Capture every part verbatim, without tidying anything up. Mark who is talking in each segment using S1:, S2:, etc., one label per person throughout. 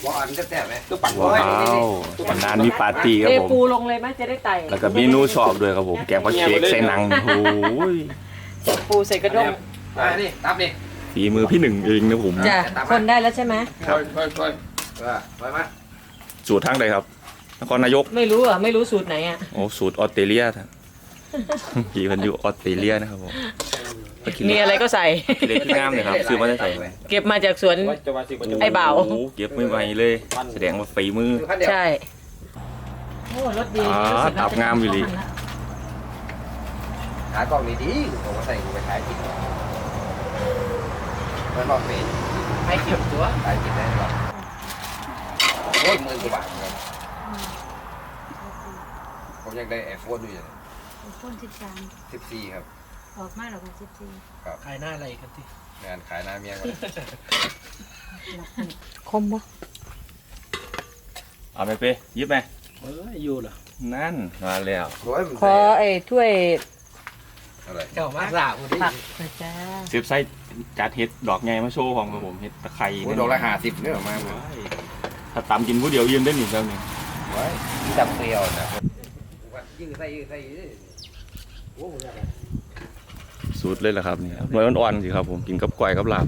S1: ว่าอันจะแซ่บไหมตัวปั่น
S2: ว้าววันนั้นมีปาร์ตี้ครับ
S3: เท
S2: ผม
S3: ปูลงเลยไหมจะได้ไต่
S2: แล้วก็เมนูชอบด้วยครับผมแกงผักเค้กใส่หนังโอ้ย
S3: ปูใส่กระด้ง
S1: มาดิตับดิ
S2: ฝีมือพี่หนึ่งเองนะผม
S3: จ้ะคนได้แล้วใช่ไหม
S1: ค่อยค่อยค่อยเออไปมา
S2: สูตรทางใดครับนครนายก
S3: ไม่รู้อ่ะไม่รู้สูตรไหนอ่ะ
S2: โอ้สูตรออสเตรเลียท่านพี่มันอยู่ออสเตรเลียนะครับผม
S3: มีอะไรก็ใส่
S2: เล็กงามเลยครับซื้อมาได้ใส่
S3: เก็บมาจากสวน ไอ้บ่าว
S2: โอ้เก็บไม่ไหวเลย แสดงว่าฝีมือ
S3: ใช่โอ้รถดี
S2: อ่าตับงามอยู่ดิ
S1: หากล้องดีๆผมก็ใส่กูไปขายกินมันบอกเป็น
S3: ใครเก็บตัว
S1: ขายกินได้หรอโอ้ยหมื่นกว่าบาทเลยผมยังได้ไอโฟนอยู่เลย
S4: พ่นสิบสาม
S1: สิบสี่ครับ
S4: ออกมาหรอกสิบสี่
S5: ขายหน้าอะไรกันที่
S1: งานขายหน้าเมียก่อน
S3: คมปะ
S2: เอาไปเป้ยิบไหม
S5: เอออยู่เหรอ
S2: นั่นมาแล้ว
S1: ร้อยมัน
S3: ขอไอ้ถ้วย
S1: อะไร
S5: เจ้ามาสาวคนที่
S3: ผักหน่อยจ้า
S2: เซฟไส้จัดเห็ดดอกไงมาโชว์ของครับผมเห็ดตะไคร้
S1: โอ้ดอกละห้าสิบเนี่ยออกมา
S2: ถ้าตำกินผู้เดียวยืนได้หนึ่งแล้วนี่
S1: ไว้จับเปรี้ยวนะยิ่งใส่ยิ่งใส่โอ้โห
S2: สูตรเลยแหละครับนี่หน่วยอ่อนๆสิครับผมกินกับกล้วยกับลาบ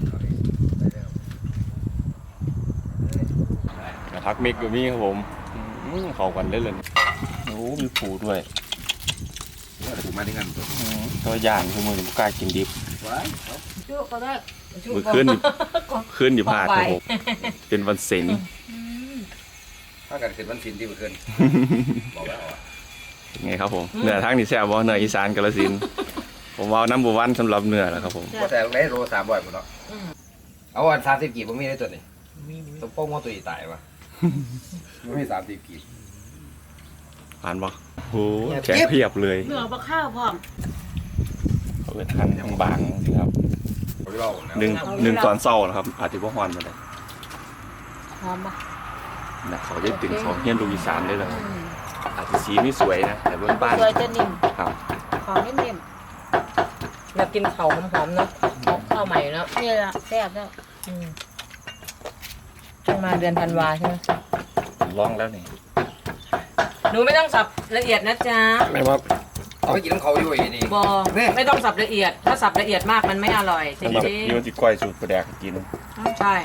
S2: พักเมกอยู่นี่ครับผมอื้อเข้ากันได้เลยโอ้มีผูด้วย
S1: ถูกมาที่งานตัว
S2: อื้อตัวย่างคือมือผมกล้ากินดิบ
S1: ไว้
S4: จุก็ได้
S2: มือขึ้นขึ้นอยู่พลาดครับผมเป็นวันเสาร์
S1: ถ้ากันขึ้นวันศิลป์ที่มันขึ้นบอกแล้ว
S2: ไงครับผมเหนือทางนี่แซ่บบ่เหนืออีสานกาฬสินธุ์ผมเอาน้ำบัววันสำหรับเหนือแหละครับผม
S1: ว่าแต่ได้โลสามบ่อยหมดเนาะเอาวันสามสิบกีบผมมีได้ตัวนี้ต้องป้องว่าตัวอีตายวะไม่มีสามสิบกีบ
S2: ผ่านบ่โอ้แข็งเพียบเลย
S4: เหนือปลาข้าวพร้อม
S2: เขาเป็นทันทางบางสิครับ
S1: เรา
S2: หนึ่งหนึ่งตอนเศร้านะครับ อาจจะว่าฮอนมาเลย
S3: หอมปะ
S2: นะเขาจะตึงเขาเฮียนลูกอีสานได้เลยอาจจะสีไม่สวยนะแต่บ้านบ้าน
S4: สวยจะนิ่ม
S2: ครับ
S4: หอมนิ่ม
S3: อยากกินเข่าหอมๆเนาะข้าวใหม่เนาะ
S4: ๆนี่แหละแซ่บแล้ว
S3: อืมต้องมาเดือนธันวาใช่ไหม
S2: ลองแล้วนี่
S3: หนูไม่ต้องสับละเอียดนะจ๊ะ
S1: ไม่ว่าเอาไปกินน้ำเขาอยู่อีนี่
S3: บอไม่ต้องสับละเอียด ถ้าสับละเอียดมากมันไม่อร่อยจริง
S2: แบบ
S3: จริง
S2: นี่มันจะก้อยสูตรประแดกกิน
S3: ใช่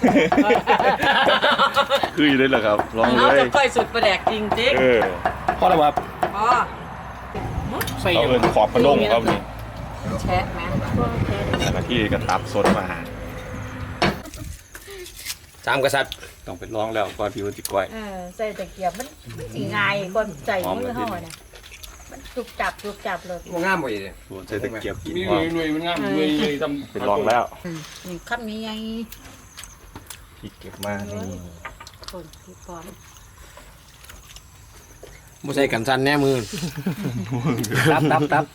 S2: คืออยู่เลยเหรอครับลอง
S3: เอา
S2: เลย
S3: จะค่อยสุดประแดกจริงจริง
S2: เออ
S5: พ่อระบับ
S3: อ๋อ
S5: ใส่
S2: เอาเอินขอบกระด้งครับนี่
S3: แชะไหม
S2: แล้วก็ที่กระตับสดมาหา
S1: สามกษัตริย์
S2: ต้องไปลองแล้วก่อนที่มันจะก้อย
S4: เออใส่ตะเกียบมันมันสีง่ายก่อนใส่มือห่อนะมันจุกจับจุกจับเลย
S1: มันงามบ่อยเลย
S2: ส่วนใส่ตะเกียบกิน
S5: มี
S2: ว่า
S5: หน่วยมันงามหน่วยหน่วยทำ
S2: ไปลองแล้ว
S4: นี่ขั้นนี้ไง
S2: พี่เก็บมานี่
S4: คนที่พร้อม
S5: บ่ใส่กันสั่นแน่มือตับตับตับ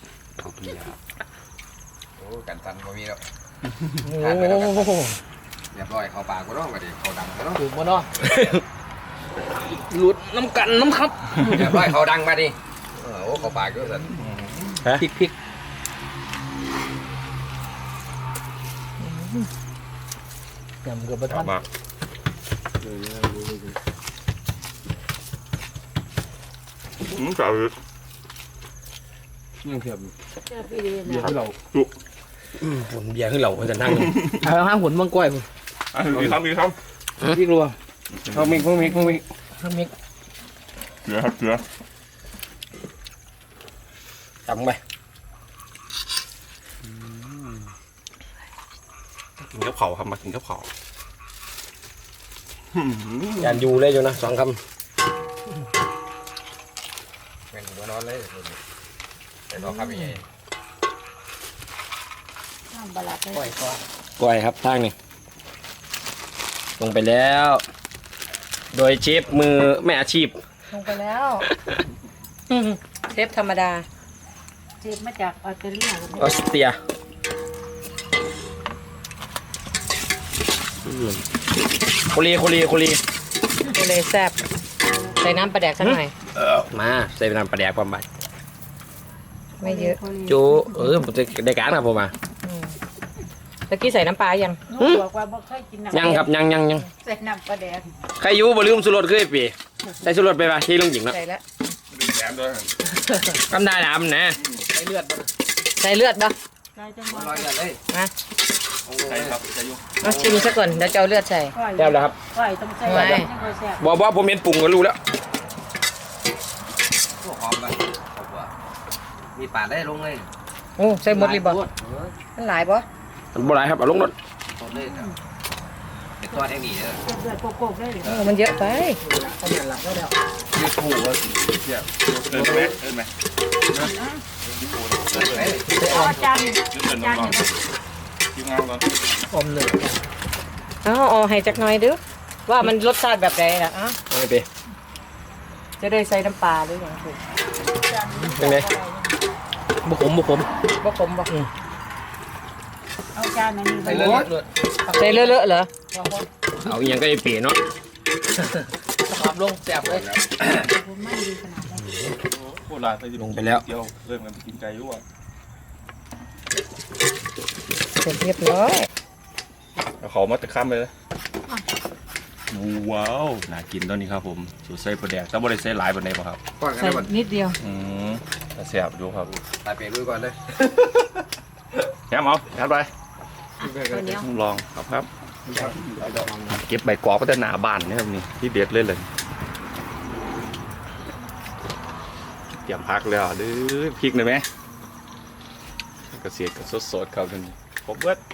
S1: โอ้กันตันบ่มีแล้ว
S5: โอ้โห
S1: เรียบร้อยเข้าปากก็ต้องมาดิเข้าดังก็ต้อง
S5: ถูกบ่เนาะหลุดน้ำกันน้ำครับ
S1: เรียบร้อยเข้าดังมาดิโอ้เข้าปากก็สั่น
S5: พริกพริกยำเกือบประทัน
S2: มาอืมจับเลย
S5: ยังเกือบ
S4: แซ่บพี่ดี
S5: เบียร์
S4: นะ
S5: ให้เรา
S1: ผลเบียร์ขึ้นเราจะนั่ง
S5: เอาห้างผลมังกล้วย
S2: อ่ะมีครับมีครับ
S5: พี่กลัวเขามิกเขามิกเขามิกเขามิก
S2: เกลือครับเกลือ
S1: จำไป
S2: กินกับเผาครับมากินกับเผา
S5: ยันอยู่เลยอยู่นะสองค
S1: เป็นหัวนอนเลยแต่เราทำยังไง
S4: น้ำบาลัดเลย
S5: ำกล้วยครับทางนี้ลงไปแล้ว โดยเชฟมือแม่อาชีพ
S3: ลงไปแล้ว เชฟธรรมดา
S4: เจ็บมาจากออสเตรเลีย
S5: ออสเตรียโคลีโคลีโคลี
S3: ก็เลยแซ่บใส่น้ำปลาแดกสักหน่อย
S5: มาใส่น้ำปลาแดกความบัด
S3: ไม่เยอะ
S5: จูเออผมจะได้การครับผมมา
S3: อืมตะกี้ใส่น้ำปลายัง
S4: หนูบอกว่าบ่เคยกินน้ำ
S5: ยังครับยังยังยัง
S4: ใส่น้ำปลาแดง
S5: ใครอยู่บ่ลืมสุรสคือไอ้ปีใส่สุรสไปป่ะที่ลุงหญิงเนาะ
S3: ใส่แล้ว
S2: แถมด้วย
S5: กำได้น้ำนะ
S3: ใส่เลือดบ่ใส่เลือดบ่
S4: ใส่จังหวะ
S1: ร้อยกันเลย
S3: มา
S2: ใช่ครับใช่ยุ่ง
S3: เอาชิมซะก่อนเดี๋ยวจะเอาเลือดใส่
S4: ก้อย
S5: แซ่บแล้วครับ
S4: ก้อยต้องใส่
S3: ไม่
S4: แบบนี้ค่อยแซ่บ
S5: บอกว่าผมเห็นปรุงก็รู้แล้ว
S1: พวกหอมกันครบว่ามีปาดได้ลงเลย
S3: โอ้ใส่หมดเลยบ่มันหลายบ่
S5: มันบ่หลายครับเอาลงรถ
S1: หมดเลยเนี่ยเป็นตัวแห่งนี้เลย
S4: เดือดโกกๆได้เลย
S3: โอ้มันเยอะไป
S1: ยืดคู่ก็เทียบ
S2: เดินไหมเดินไหม
S4: เอาจาน
S2: เดิน
S4: จาน
S2: ก่อน
S4: เนี่ย
S2: คิวงานก่อน
S3: เอาเอาให้จักหน่อยดูว่ามันรสชาติแบบไหนล่ะอ่ะ
S5: เอาไปปี
S3: จะได้ใส่น้ำปลาหรือยังถูก
S5: เป็นไงบุขมบุขม
S3: บ่ขมบ่
S4: เอาจานอันนี้
S1: ใส่เลือดเลือด
S3: ใส่เลอะๆเหรอ
S5: เอาอีหยังก็ไอ้ปีเนาะ
S3: ขับลงแซ่บเลย
S4: ไม่ดีขนาดนั้น
S2: โคตรลายไป
S5: ลงไปแล้ว
S2: เดี๋ยวเริ่มกันไปกินไก่ยุ่ง
S3: เสร็จเรียบร้อย
S2: เอาเขามาตะข้ามเลยว้าวน่ากินตอนนี้ครับผมสูตรใส่ปลาแดกแต่บ่ได้ใส่หลายปานใดป่ะครับ
S1: ก่อนกัน
S3: ใส่
S1: ได้ก่อน
S3: นิดเดียว
S2: อืมแต่แซ่บดูครับ
S1: ตายเปลี่ยนด้วยก่อนเลย
S2: แถมเอาแถมไป
S3: ตัวเนี้ย
S2: ลองครับครับเก็บใบกอกก็จะหนาบานนะครับนี่ที่เด็ดเลยเลยเตรียมพักแล้วหรือพริกเลยไหมกระเสียดกับสดๆครับนี่ครบเบิด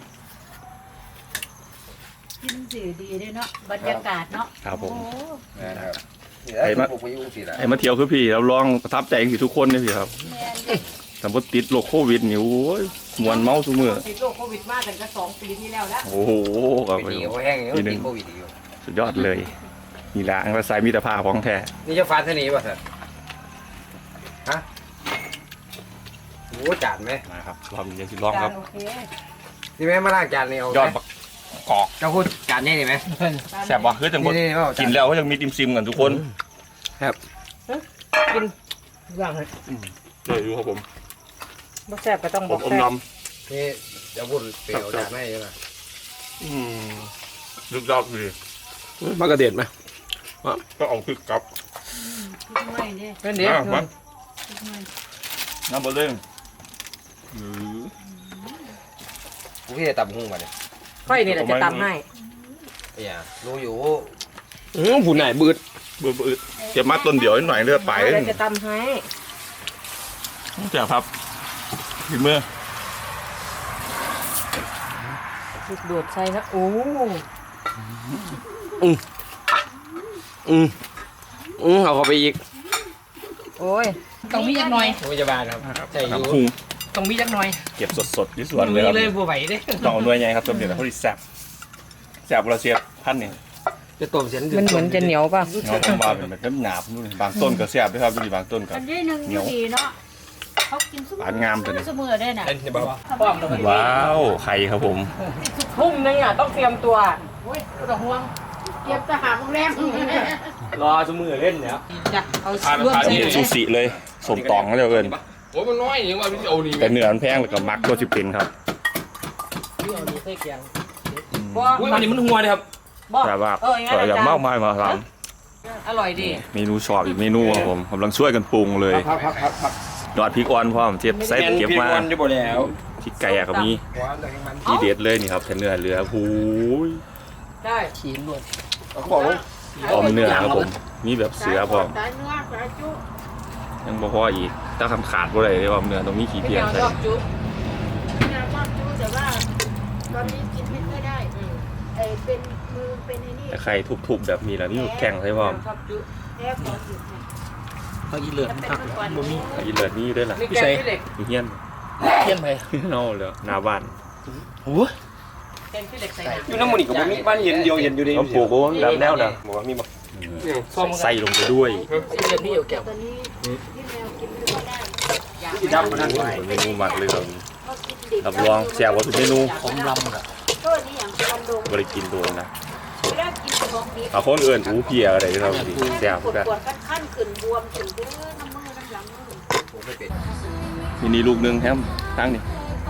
S4: กินสิดีด้วยเนาะบรรยากาศเนาะ
S2: ครับผม
S4: โอ้
S1: นะครับไอ้มาพวกไปยุ่งสิละ
S2: ไอ้มาเที่ยวคือพี่เราลองประทับใจกันทุกคนเลยพี่ครับ
S4: แม่นเลย
S2: สมมติติดโรคโควิดนี่โอ้ยมวนเมาซุมือ
S3: ติดโรคโควิดมาตั้งแต่สองปีที่แล้วแล้ว
S2: โอ้โหครับ
S1: ไปดีเขาแห้งอย่างนี้ติดโควิดอยู่
S2: สุดยอดเลยนี่ละอันภาษามิตรภาพของแท้
S1: นี่จะฟันเท่านี้ป่ะท่านฮะโอ้จานไหม
S2: นะครับรอบนี้ยังสิลองครับ
S3: โอเค
S1: นี่แม่มาล้างจานนี่เอา
S2: ยอดบักกอก
S1: เจ้าคุณจานนี่นี่ไหม
S2: แซ่บว่ะคือจังหมด
S1: นี่นี่เอาจา
S2: กินแล้วก็ยังมีติมซิมกันทุกคน
S3: กินย่างให้
S2: เลยดูครับผม
S3: บ่แซ่บก็ต้อง
S2: ผ
S3: บอ
S2: ม
S3: ก
S2: อม
S3: แซ่
S2: น้
S3: บ
S1: นี่เจ้าคุณเปรี้ยวจานให้ใช่ไหม
S2: ำอืมลึกยอดดี
S5: มากระเด็ดไหม
S2: ก็เอาคือกับ
S4: ทุกหน่วยเนี่ย
S3: เป็นเด็ก
S2: อ่ะมา
S4: ทุกหน่วย
S2: น้ำบะเล่ง
S1: กูพี่จะตับหุ้งมาเนี่ย
S3: ค่อยนี่แหละจะตำให้
S1: เนี่ยรู้อยู่
S5: อืมผู้ไหนบืด
S2: เบื่ออืดเก็บมาต้นเดียวนิดหน่อยเลือดไป
S3: เดี๋ยวจะตำให้
S2: แซ่บครับกินเมื่อ
S3: ลูกโดดใส่นะโอ้
S5: อืมอืมเอาเข้าไปอีก
S3: โอ้ยต้องมีจักหน่อย
S5: พยาบาลครับใช่อยู่
S2: น้ำพุง
S3: ต้องมีจักหน่อย
S2: เก็บสดๆที่สวนเลยครับ
S3: เลยบ่ไหวเด้
S2: ต้องเอาหน่วยใหญ่ครับต้มเดือดเขาดิแซ่บแซ่บเราเสียบพันนี่
S5: จะต้มเส้น
S3: มันเหมือนจะเหนียวป่ะ
S2: เงาต้นมาเป็นแบบหนาบนู่นบางต้นก็แซ่บด้วยครับดูดิบางต้นก็
S4: อันนี้หนึ่งดีเนาะเขากินซุป
S2: หวานงามตัวนี้
S4: เสมอได้น่ะ
S5: เอ็นจะบอก
S2: ว้าวไข่ครับผม
S3: ทุ่มนึงอ่ะต้องเตรียมตัวโอ้ยไม่ต้องห่วง
S4: เก็บทหารโรงแรม
S5: รอสมือเล่นเนี่ย
S3: จ้ะเอา
S2: ทาน
S3: ร่วม
S2: ทาน
S3: ใส่
S2: นี่ซูชิเลยสมตองเขาเรียกเอิน
S5: โอ้มันน้อยอย่างว่าพี่เอานี่
S2: แต่เนื้อมันแพงแล้วก็มักตัวสิเป็นครับ
S3: เอาดีใส่เกียงบ่
S5: อุ้ยอันนี้มันหัวเลยครับ
S3: บ่
S2: แต่ว่า
S3: เอออย่าง
S2: แต่
S3: นั้น
S2: อย่าง
S3: อาจาร
S2: มาก
S3: ย์
S2: มายมาท
S3: อร่อยดี
S2: ำเมนูชอบอีกเมนูครับผมกำลังช่วยกันปรุงเลย
S5: พักพักพักพัก
S2: ยอดพริกอ่อนพร้อมเทียบใส่เก็บมา
S5: จะบ่แล้ว
S2: พริกไก่อะก็มี
S1: หวานเลยมัน
S2: ที่เด็ดเลยนี่ครับแค่เนื้อเหลือหูย
S3: ได้ขีนด้วย
S5: เอาของ
S2: ออมเนื้อครับผมมีแบบเสือพร้อม
S4: สายเนื้อสายจุ
S2: ยังบ่พออีกถ้าคำขาดบ่ได้เลยว่าเนื้อตรงนี้ขี้
S3: ไม่
S2: เพีย
S3: อยาก
S2: ใส่
S3: ชอบจุ๊บ
S4: งานว่าจุแต่ว่าตอนนี้กินไม่ค่อยได้ไอ้เป็นมือเป็นไอ้นี่
S2: แต่ไข่ทุบๆแบบนี้แล้วนี่แข็งใช่พร้อม
S3: ชอบจุ๊บ
S4: แพ้ขอหยุดเนี่ย
S5: เขาอีเลือด
S4: จะเป็นเมื่อก่อนนี้
S2: ไอ้เลือดนี่ด้วยล่ะ
S3: นี่แกงขี้เหล็ก
S2: อยู่เฮียน
S5: เทียนไป
S2: เอาเลยหน้าบ้าน
S5: โอ้
S3: แกงขี้เหล็กใส่น้ำ
S5: อยู่น้ำมันอีกกับมีบ้านเย็นเดียวเย็นอยู่ดี
S2: เขาปลูกโอ้แบบแนวเด้อ
S5: บอกว่ามีบอก
S2: ใส่ลงไปด้วย
S3: เรียบนี่เอาแก้ว
S4: ตอนนี้ที่แมวกินไม่ค่อยได้อยาก
S5: ที่ดำมันนั่นไว้
S2: เมนูหมักเลยครับ
S4: เขากินดิบ
S2: รับรองแซ่บกว่าทุกเมนู
S5: ผมลำอ่ะ
S4: ก็นี่อย่างลำดง
S2: บริกินตัวนะ
S4: ไม่ได้กินของดิบ
S2: เอาคนอื่นอู้เพียอะไรเราดีแซ่บ
S4: ปวด
S2: กัน
S4: ปวดขั้นขึ้นบวมขึ้นเด้อน้ำมือน้ำหลังมือ
S1: ผมไม่เป็น
S2: มินิลูกหนึงแฮมตั้งนี่
S4: ก็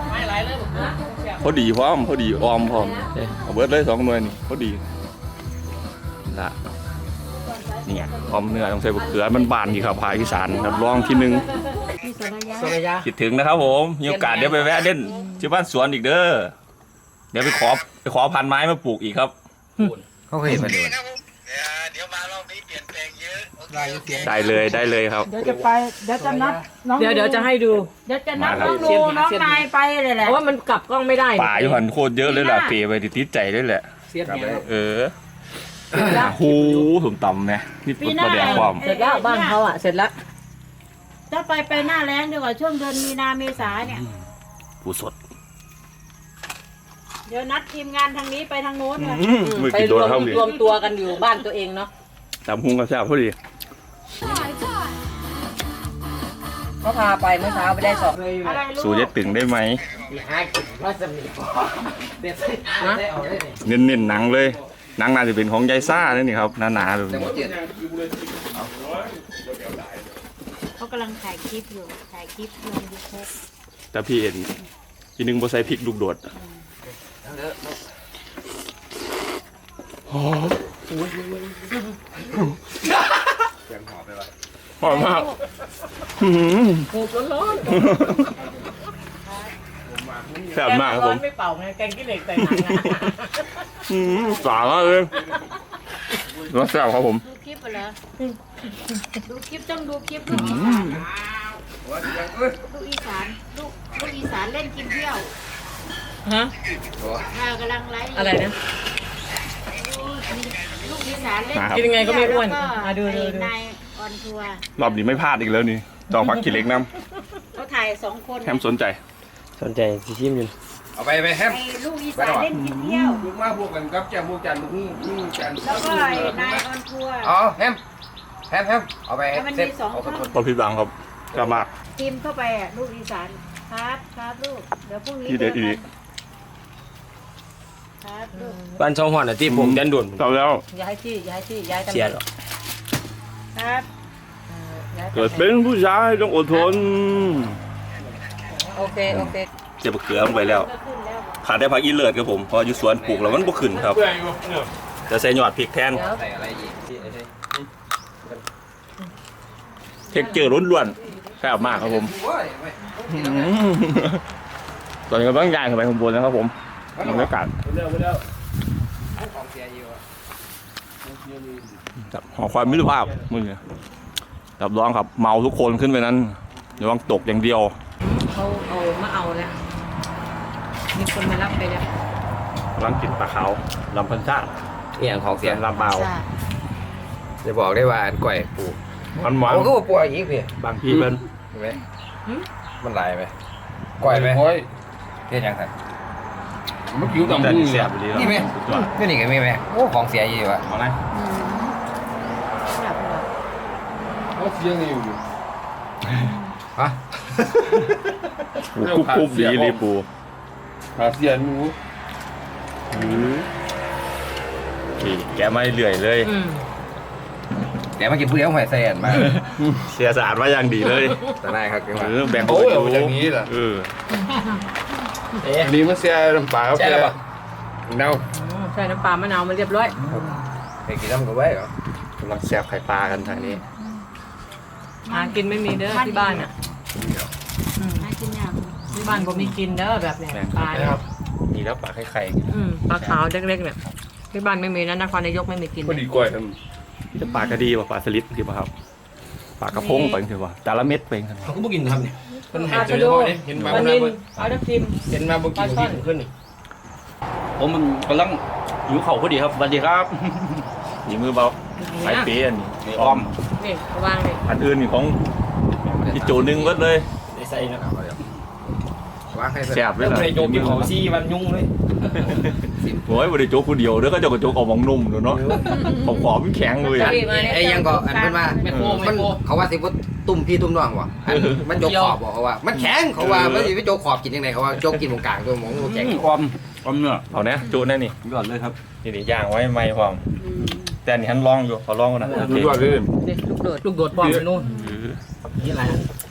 S3: ไม่ไรเลยบอกนะ
S2: พอดีพร้อมพอดีออมพร้อมเอาเบิดเลยสองหน่วยนี่พอดีละเนี่ยออมเนื้อต้องใส่บะเขือมันบานกี่ครับภาคอีสานครับลองทีนึง
S3: โซนยา
S2: คิดถึงนะครับผมมีโอกาสเดี๋ยวไปแวะเล่นที่บ้านสวนอีกเด้อเดี๋ยวไปขอไปขอพันไม้มาปลูกอีกครับ
S1: เขาเคยเห็นมันอยู่
S6: เดี๋ยวมารอบนี้เปลี่ยนแปลงเยอะโอเคโอเค
S2: ได้เลยได้เลยครับ
S4: เดี๋ยวจะไปเดี๋ยวจะนัดน้อง
S3: เดี๋ยวเดี๋ยวจะให้ดู
S4: เดี๋ยวจะนัดน้องดูน้องนายไปเลยแห
S3: เพ
S4: ละ
S3: ราะว่ามันกลับกล้องไม่ได้
S2: ป่าอยู่หันโคตรเยอะเลยแหละเปย์ไปติดใจเลยแหละ
S3: เสียดเนี่ย
S2: เออหูถุงต่ำเนี่ยนี่ปุ๊บประเดี๋ยวความ
S3: เสร็จแล้วบ้านเขาอ่ะเสร็จแล้ว
S4: ถ้าไปไปหน้าแล้งดีกว่าช่วงเดือนมีนาเมษาเนี่ย
S2: ผู้สด
S4: เดี๋ยวนัดทีมงานทางนี้ไปทางโน้นเลย
S2: มือ
S3: ไป
S2: กิน
S3: ร
S2: โด
S3: วน ม
S2: เข้าดิ
S3: รวมตัวกันอยู่บ้านตัวเองเนาะ
S2: ตำหุงกระแซบพอดี
S3: เขาพาไปเมื่อเช้าไปได้สอง
S4: อะไรลูก
S2: สูเย็ดตึงได้ไหม
S3: นะ
S2: เน้นเน้นๆหนังเลยหนังน่าจะเป็นของยายซ่าเนี่ยนี่ครับหนาๆแบบ
S1: แต่
S2: นี้
S1: ว่าเจ็ด
S4: เขากำลังถ่ายคลิปอยู่ถ่ายคลิปลงยูทูบ
S2: แต่พี่เห็นทีนึงบ่ใส่พริกลูกโดดหอม
S1: เสียงหอบไปวะ
S2: หอมมากอื้อหือ
S3: หูร้อน
S2: แซ่บมากครับผม
S3: ไม่เป่าไงแกงขี้เหล็กใส่หนังอะ
S2: อืมสามากเลยรสแซ่บครับผม
S4: ดูคลิปเหรอดูคลิปต้องดูคลิปลูกอี
S2: อื
S4: สาน
S2: ม
S4: ลูกอีสานลูกลูกอีสานเล่นกินเที่ยว
S3: ฮะ
S4: อ่ากำลังไลฟ์
S3: อะไรนะ
S4: ลูกอีสานเล่น
S2: นะครับ
S3: กินยังไงก็ไม่อ้วน
S4: แล้วก็
S3: อ่ะดูดูดู
S4: นายออนทัวร์
S2: รอบนี้ไม่พลาดอีกแล้วนี่จองผักขี้เหล็กน้
S4: เขาถ่ายสองคน
S2: ำแถมสนใจ
S5: สนใจสิชิมอยู่
S1: เอาไปไปแฮม
S4: ไอ้ลูกอีสานเล่นกินเที่ยว
S1: ลูกมาพวกกันกับแก้มพวกจันทร์พวกนี่จันทร์
S4: แล้วก็ไอ้นายออนทัวร์
S1: อ๋อแฮมแฮมแฮมเอาไป
S4: แล้วมัน
S1: เซ็ต
S4: มีสอง
S1: เอาคน
S4: ช่อง
S2: พอพี่บังครับกลับมา
S4: ทีมเข้าไปอ่ะลูกอีสานครับครับลูกเดี๋ยวพรุ่งนี้
S2: ที่เด็ดอีก
S4: ครับลูก
S5: บ้านช่องหอนอ่ะที่ผมยันด่วน
S2: กลับแล้ว
S3: ย้ายที่ย้ายที่ย้ายตำแห
S5: เสีย
S3: น่ง
S5: หรอ
S4: ครับ
S3: เออย้ายตำแหน่ง
S2: เกิดเป็นผู้ชายต้องอดทน
S3: โอเคโอเค
S2: เจ็บเขือลงไปแล้ว
S4: ก็ขึ้นแล้ว
S2: ขาดได้ผักอีเลิศครับผมเพออยู่สวนปลูกแล้วมันบ่ขึ้นครับจะใส่หยอดพริกแทน
S3: เดี๋ยว
S1: ใส่อะไรอีกที่ไอ้นี่
S2: เทคเจอร์ล้วนๆแซ่บมากครับผม
S1: โอ้ยไม่
S2: อืมตอนนี้ก็ต้องย่างขึ้นไปข้างบนนะครับผมบรรยากาศ
S1: ของเสียอยู่อะ
S2: แบบหอความมิตรภาพมือรับรองครับเมาทุกคนขึ้นไปนั้นระวังตกอย่างเดียว
S3: เขาเอามาเอาแล้วมีคนมารับไปแล้ว
S2: กำลังกินปลาขาวลำพันชาติ
S1: นี่อย่างของเสี
S2: เสี
S1: ย
S2: ยงลำเบา
S1: จะบอกได้ว่าอันก่อยปลูก
S2: มันหวาน
S1: เอาก็ว่าปลูกอีกพี่
S2: บางทีเป็น
S1: เห็นไหมมันลายไหมก่อยไหมเทียนยังไง
S2: มันผิวดำพุ่งเสียบดีแล้ว
S1: นี่ไหม
S2: สุดยอด
S1: นี่นี่ก็มีไหมโอ้ของเสียอยู่วะ
S2: เอาไหม
S3: แบบเหรอ
S7: เขาเสียงอยู่
S1: ฮะ
S2: ปูคุบคุบดีเลยปู
S7: หาเสียงหนู
S2: นี่แกะไม่เลื่อยเลย
S3: อืม
S1: เดี๋ยวมากินผู้เดียวหอยแซนมา
S2: เสียสะอาดมาอย่างดีเลย
S1: แต่นายครับกิน
S2: เอ
S1: มา
S2: อแบ่ง
S7: โอ้ยเอาอย่างนี้เหรอ
S2: เออ
S7: อันนี้มันเสียน้ำปลาครับ
S1: ใช่แล้วปะเน่า
S3: อืมใส่น้ำปลามะนาวมาเรียบร้อย
S1: ไปกินน้ำกับไว้เหรอก
S2: ำลังแสบไข่ปลากันทางนี้
S3: หากินไม่มีเด้อที่บ้านอ่ะอืม
S4: น่ากินยาก
S3: ที่บ้านผมมีกินเด้อแบบเนี้ย
S2: แบ่ง
S3: ปลาเนี่ย
S2: ครับมีแล้วปลาไข่ไข่
S3: อืมปลาขาวเล็กๆเนี่ยที่บ้านไม่มีนะนครนายกไม่มีกิน
S7: พอดีกล้วยท
S2: ที่จะปลากระดีป่ะปลาสลิดคือป่ะครับปลากระพงไปคือป่ะแต่ละเม็ดไปกัน
S5: เขาก็บ่กินครับเนี่ยมัน
S3: ป
S5: เห็
S3: ลาน
S5: เจ
S3: ชะ
S5: อ
S3: โด
S5: บ่เนี่ยเห็นมา
S3: ปลา
S5: บ่
S3: นิ
S5: ได้
S3: ลปลาทับทิม
S5: เห็นมาบ่กินบ่กินขึ้นนี่ผมมันกำลังหิวเข่าวพอดีครับสวัสดีครับ
S2: มีมือเบาไข่เปี๊ยนนี่อ้อม
S3: นี่วางนี่
S2: อันอื่นนี่ของพี่โจนึงเบิดเลย
S5: ได้ใส่นะ
S1: วางให้
S2: แซ่บเลย
S5: แล้ว
S2: ล่ะ
S5: บ่ได้โจกกินของซี่วันยุ่งเลย
S2: โอ้ยบริโจกคนเดียวเด้อก็จะกระโจกออกมองนุ่มเนาะผมขอมันแข็งเลยอะ
S1: ไอ้ยังก็อันเป็นว่า
S5: แม่โค
S1: มั
S5: แม่
S1: น
S5: โค
S1: เขาว่าสิว่าตุ่มพี่ตุ่มน้องวะอันมันโจกขอบบอกเขาว่า มันแข็งเขาว่ามันสิไปโจกขอบกินยังไงเขาว่าโจกกินตรงกลางตัวหมองตัวแข็ง
S5: ความความเนื้อ
S2: เอาเนี่ยจุแน่นี่
S5: ยอดเลยครับ
S2: นี่นี่ย่างไว้ไม่พร้อมแต่อันนี่หันลองอยู่ขอลองก่อนนะโอ
S7: ำ
S2: เค
S7: ดูว่าเลย
S3: นี่ลูกโดดลูกโดดปลอมไปนู่น
S2: อือ
S5: นี่อะไร
S2: ล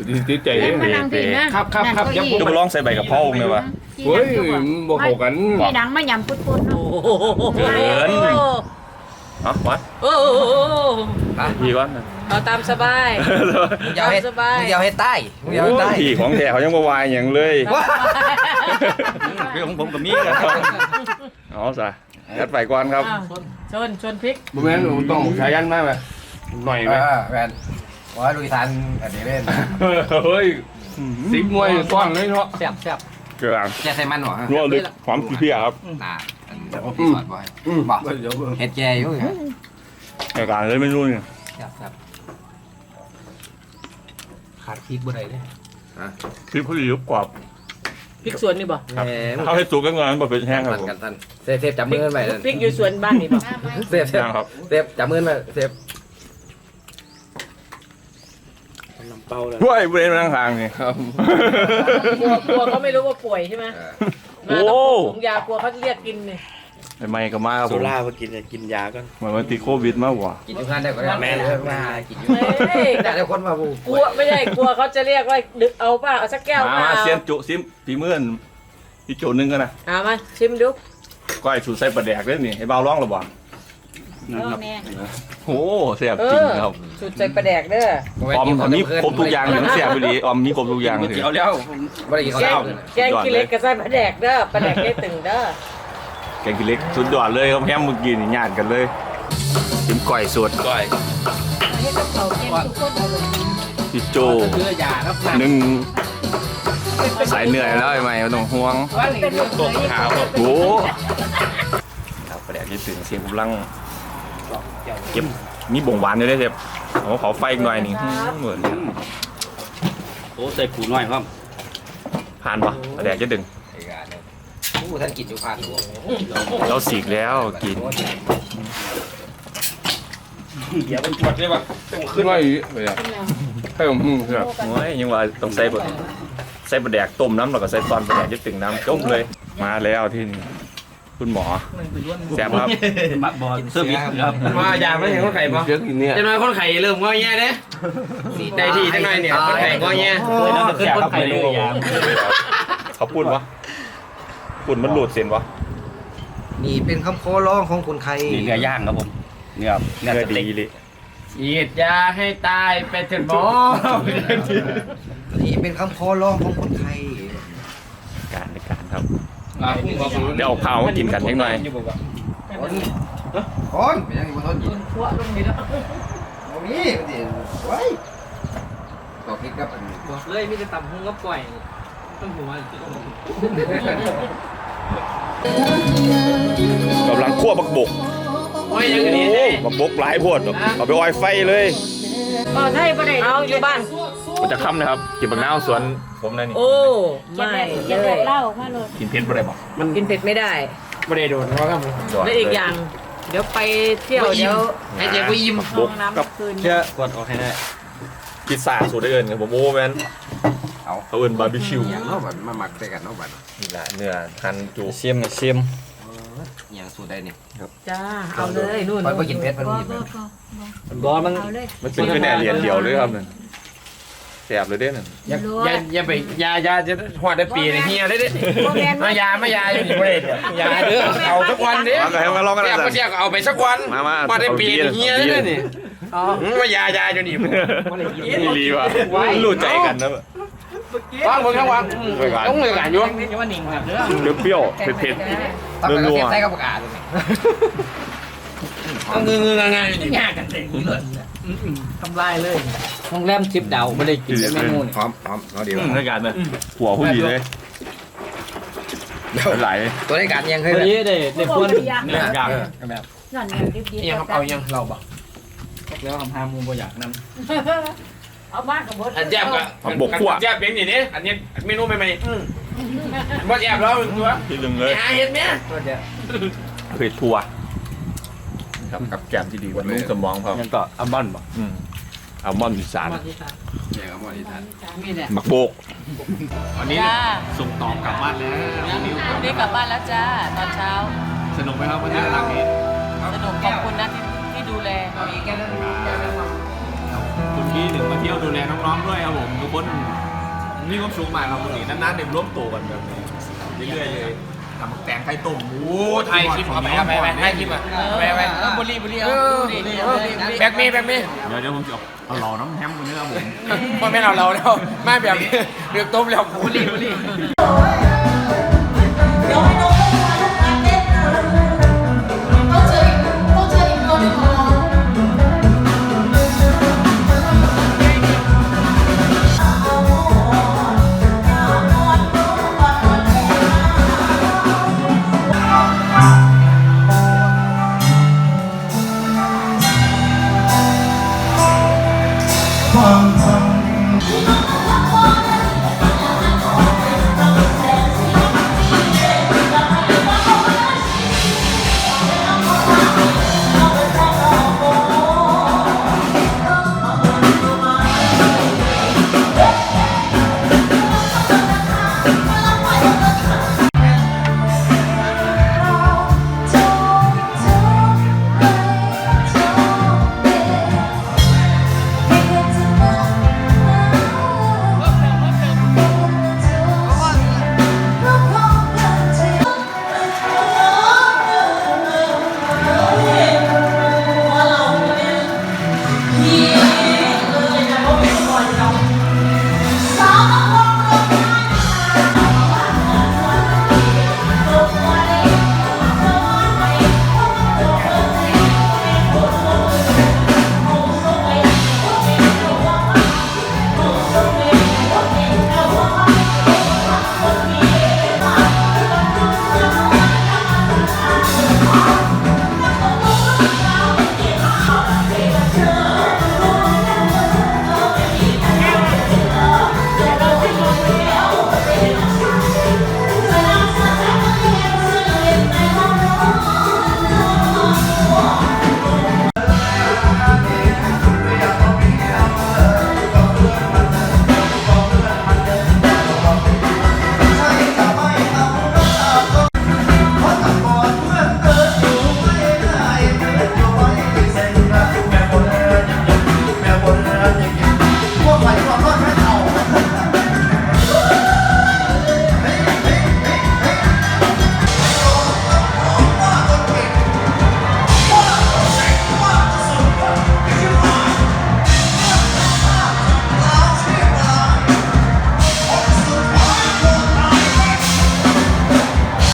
S7: ติดใจ
S4: เล่นมานั่งพี่นะครับ
S7: ครับครับยัง
S2: จะมาลองใส่ใบกะเพราเลยวะ
S7: เฮ้ยบ่เข้ากัน
S4: พี่ดังมาหยำปุดๆเนาะ
S2: เกินเอ๋อวัด
S3: โอ้โห
S2: พี่ก่อนนะ
S3: เอาตามสบาย
S1: มึงอยาวให้
S3: สบาย
S1: มึงอยาวให้ใต้มึงอยาวให้ใต้
S2: พี่ของแท้เขายังบ่วายอย่างเลยเรื่องของผมกับมีกันเอาซะยัดไปก่อนครับ
S3: อ้าวชนชนพริก
S7: บ่แม่นต้องใช้ยันมาไหมหน่อยไหม
S1: เออแมนว่าลุยทันอันนี้เล่น
S7: เฮ้ยสิบมวยซ้อนเลยเนาะ
S1: แซ่บแซ่บ
S2: เกลือ
S1: แค่ใส่มันหรอ
S2: นัวลึกหอมเพี้ยครับ
S1: น่าอันนี้ผมพี่สอนบ่อยบอกเฮ็ดแกอยู่ไง
S2: รายการเลยไม่รู้เนี่ย
S1: แซ่บแซ่บขาดพริกบ่ได้เลย
S2: คลิปเขาดีกว่า
S3: พริกสวนนี่บ่
S1: แหม
S2: เขาให้สุกกันก่อนบ่เป็นแห้งครับผม
S1: กันทันเซฟเซฟจับมือกันไป
S3: พริกอยู่สวนบ้านนี่บ่
S1: เซฟเซฟ
S2: ครับ
S1: เซฟจับมือกันไปเซฟ
S2: เฮ้ยบริเวณทางทางนี่ครับ
S3: กลัวกลัวเขาไม่รู้ว่าป่วยใช่ไหม
S2: โอ้
S3: มาต้องถุงยากลัวเขาจะเรียกกินเนี่ย
S2: ไม่ก็มาครับผม
S8: โซล่ามากินเนี่ยกินยาก่อน
S2: เหมือนวันติดโควิดมากกว่า
S1: กินอยู่งานได้ก็ได้แม่มากินอยู่
S3: เฮ้ย
S1: แต่ได้คนมาบู
S3: กลัวไม่ใช่กลัวเขาจะเรียกว่าดึกเอาป่ะเอาสักแก้ว
S2: มา
S3: เปล่า
S2: มาเซียนจุซิมปีเมื่อนพี่โจนึงกันนะ
S3: เอามาชิมดู
S2: ก้อยสูตรใส่ปลาแดกด้วยนี่ให้เบาร้องหรือเปล่า
S4: เออแม่
S2: โอ้เสียบ
S3: เอ
S2: จริง
S3: อ
S2: ครับ
S3: สุดใจประแดกเด้อ
S2: ออมออมนี่ครบทุกอย่างอย่างเสียบไปดีออมนี่ครบทุกอย่างเลย
S7: เกี่ยวแล้ว
S1: ไม่ได้กิน
S3: แก
S1: ข้าว
S3: งแกงกินเล็กกับไส้ประแดกเด้อประแดกได้ตึงเด้อ
S2: แกงกินเล็กสุดยอดเลยครับแฮมเมื่อกี้นี่ญาติกันเลยจิ้มก้อยสดก้อย
S4: ให้กับเขาเก็บทุกคนเอาเลย
S2: พี่โจหนึ่งสายเหนื่อยแล้วไอ้ใหม่ไม่ต้องห่วง
S4: เป็นตกขาว
S2: โอ้ครับประเดี๋ยวนี้ตื่นเสียงกำลังเก็บมีบ่งหวานอยู่ด้วยเชฟเอาเผาไฟอีกหน่อยนี่เหมือน
S8: โอ้ใส่ปูน้อยครับ
S2: ผ่านปะประเดี๋ยวจะดึง
S1: ไอ้กาเนี่ยผู้ท่านกินอยู่ผ่านหัว
S2: เราสีกแล้วกิน
S8: เดี๋ยวมันจวดเลยว่ะ
S7: ขึ้นมาอีกไปอ่ะให้ผมมึงครับ
S2: โอ้ยยังว่าต้องใส่บดใส่ประแดกต้มน้ำแล้วก็ใส่ตอนประแดกจะตึงน้ำต้มเลย มาแล้วที่นี่คุณหมอแซ่บครับ
S8: มักบอลเซอร์วิสครับ
S7: มาอยากไม่เห็นคนไข่ปะเยอะกินเนี่ย
S8: จะน้อยคนไข่เริ่มงอแย่เด้ได้ที่จังหน่อยเนี่ยคนไข่งอแย่ขึ้นคนไข่เลยยาม
S2: เขาพูดวะพูดมันหลุดเส้นวะ
S1: นี่เป็นคำโคร้องของคนไทย
S8: นี่เนื้อย่างครับผมเนื้อเนื้อ
S2: เนื้อ
S8: สเต็ก
S2: ดีเลย
S7: ฉีดยาให้ตายไปถึงหมอ
S1: นี่เป็นคำโคร้องของคนไทย
S2: การในการครับเดี๋ยวเอาข้าวมากินกันนิดหน่อย
S1: คนเป็นยังไงมาทนกิน
S3: ขวลงนี่แล้ว
S1: โอ้มีมันดิไว้ต่อพริกกับอันนี้
S3: บอกเลยมีแต่ตำหงกับก่อยต้องหัว
S2: กำลังคั่วบักบก
S8: โอ้ยยังนี้
S2: บักบกหลายโพดเอาไปออยไฟเลย
S3: อ๋อใช่ประเด็เอาอยู่บ้าน
S2: มันจะค่ำนะครับกินบักนาวสวนผมนะนี่
S3: โอ้
S4: จะ
S3: ไม่
S4: ได้จะ
S3: เล
S4: ได้
S3: ย
S4: เล่าออกมาเลย
S2: กินเผ็ดบ่ได้บ่
S3: มันกินเผ็ดไม่ได้
S7: ไม่ได้โดนเพราะครับ
S3: และอีกอย่าง เดี๋ยวไปเที่ยวเดี๋ยว
S1: ไอ้เจ๊กูยิ้ม
S3: ห้องน้ำคืน
S2: เชื่อก
S8: ดออกให้ได้
S2: พิซซ่าสูตรได้เอินครับผมโอ้แมน
S1: เอา
S2: เขาเอินบาร์บีคิว
S1: อย่างเนาะบัดมาหมักใส่กันเนาะบัด
S2: นี่แหละเนื้อหั่นจู
S8: เชียมกับเชียม
S1: อย่างสูตรใดนี่
S3: จ้าเอาเลยนู่น
S1: ไปไปกินเพชรมันกินเพชร
S8: บอลมัน
S4: เอาเลย
S2: มันเป็นแค่แหนเหรียญเดียวเลยครับนั่นแสบเลยเด้นั่น
S7: อย่าอย่าอย่าไปยายาจะหัวได้ปีนี่เฮียได้เด้
S4: โมเมนต์
S7: มายาไม่ยาอยู่นี่ไม่ได้ยาเด้อเอาสักวันเด้
S2: มาให้มาลองกัน
S7: เสีย
S2: นะ
S7: ก็เสียเอาไปสักวัน
S2: มามา
S7: มาได้ปีนี่เฮียได้นี่มายายาอยู่นี่
S2: นี่รีว่ะรู้ใจกันนะ
S7: วางบนข้างวางต้องเลยกันอยู่
S2: เปรี้ยวๆเผ็ด
S1: ตั้งแต่เสียบใส่กับปากกาเลย
S7: ต้องเงื้อๆง่ายๆอยู่นี่
S3: ทำลายเลย
S8: โรงแรมทิปดาวไม่ได้กินเมนูนี่
S1: หอมหอมเอาดี
S2: ๆ
S1: ว่ะ
S2: ในการเลยหัวผู้ดีเลยไหล
S1: ตัวในการยังเคย
S8: วัน
S1: เลย
S8: นี้ได้ได้พวน
S7: เนื้อย่าง
S8: แบบ
S4: นั่นเนี่ยดิบ
S7: ยังครับเอายังเราบ่
S8: แล้วทำห้ามูบ่อยากนำ
S4: ๆเอาบ้านกับมด
S7: อันแจ่บก็แจ่บเป็นอย่างนี้อันนี้เมนูใหม่ๆบ่แจ่บแล้วตัว
S2: ที่ลึงเลย
S7: หาเห็ดไหม
S2: เผ็ดทัวครับกับแกมที่ดีบรรลุสมองเขา
S8: ยังก็อัลมอนด์บ่
S2: อืมอัลมอนด์อีสาน
S1: อย่างกับหมอที่ทาน
S2: หมักโบก
S8: วันนี้
S3: จ้า
S8: ส่งต่อกลับบ้านแล้ว
S3: วันนี้กลับบ้านแล้วจ้าตอนเช้า
S8: สนุกไหมครับวันนี้หลังนี้
S3: สนุกขอบคุณนะที่ที่ดูแล
S8: คุณพี่หนึ่งมา
S7: เที่ยวดูแลน้องๆด้วยครับผมทุกคนมีความสุขมากครับวันนี้นานๆเด็กร่วมตัวกันแบบนี้เรื่อยๆเลยทำแตงไข่ต้มโอ้ไทยคลิปเอาไปเอาไปไทยคลิปอ่ะไปไปบุรีบุรีเอาแบกมีแบกมีเดี๋ยวเดี๋ยวผมจะเอาหล่อน้ำแฮมคนนี้ครับผมไม่เอาเราแล้วไม่แบบเดือดต้มแล้วบุรีบุรี